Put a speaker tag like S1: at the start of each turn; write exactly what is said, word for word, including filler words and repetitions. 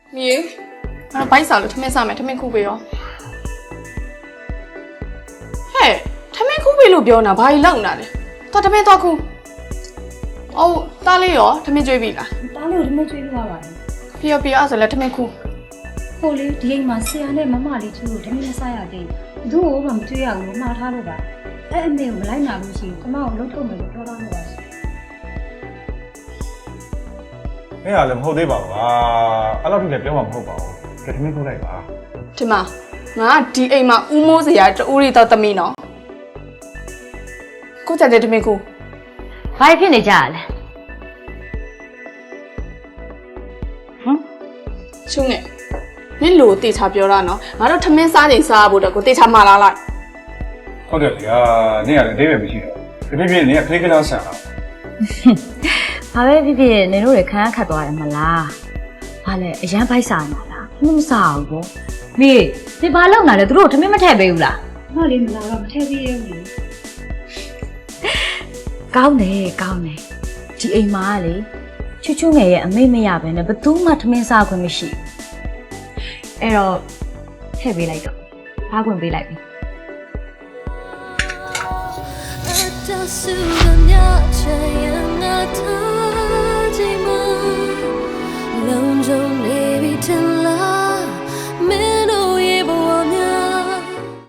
S1: 米，啊，白啥了？他们啥没？他们苦背哦。嘿，他们苦背路标呢？白冷那的，他他们多苦。哦，打了哟，他们追比啦。
S2: 打了他们追不到吧？
S1: 比较比较是了，他们苦。
S2: 后来第一嘛，谁还来妈妈里住？他们那啥呀的？如果我们追啊，我妈他了吧？哎，没有来拿东西，他妈我老头没有找到我。
S3: 哎呀，你好对吧？啊，阿拉这边表嘛不好吧？这他们过来吧？
S1: 对嘛？我 D A 嘛，乌毛子呀，这屋里到得没呢？กูจะได้ทำไมกู
S4: ဘာဖြစ်နေကြလဲဟမ်
S1: ရှုံးနေမင်းလို့တေချာပြောတာနော်ငါတို့ထမင်းစားချိန်စားဖို့တော့ကိုတေချာမှာလာလိုက်
S3: ဟုတ်တယ်လေအာနေရတယ်ဒိဗယ်မရှိတော့ဒီပြည့်ပြည့်နေကခလေးကလားဆန်လား
S4: ဘာပဲဖြစ်ဖြစ်နေတို့ရခန်းခတ်သွားတယ်မလားဘာလဲအရန်ဖိုက်စားနေတာလားမမစားဘူးပေါ့မေဒီဘာလောက်လာလဲသူတို့ထမင်းမထည့်ပေးဘူးလား
S2: မလေးမလာတော့မထည့်သေးဘူး
S4: ကောင်းတယ်ကောင်းတယ်ဒီအိမ်မှာကလေချွတ်ချွတ်ငယ်ရဲ့အမိတ်မရဘဲနဲ့ဘသူမှထမင်းစားခွင့်မရှိအဲ့တော့ထည့်ပေးလိုက်တော့ဘာခွင့်ပေးလိုက်ပြီ
S5: အတဆူကညချင်ငါ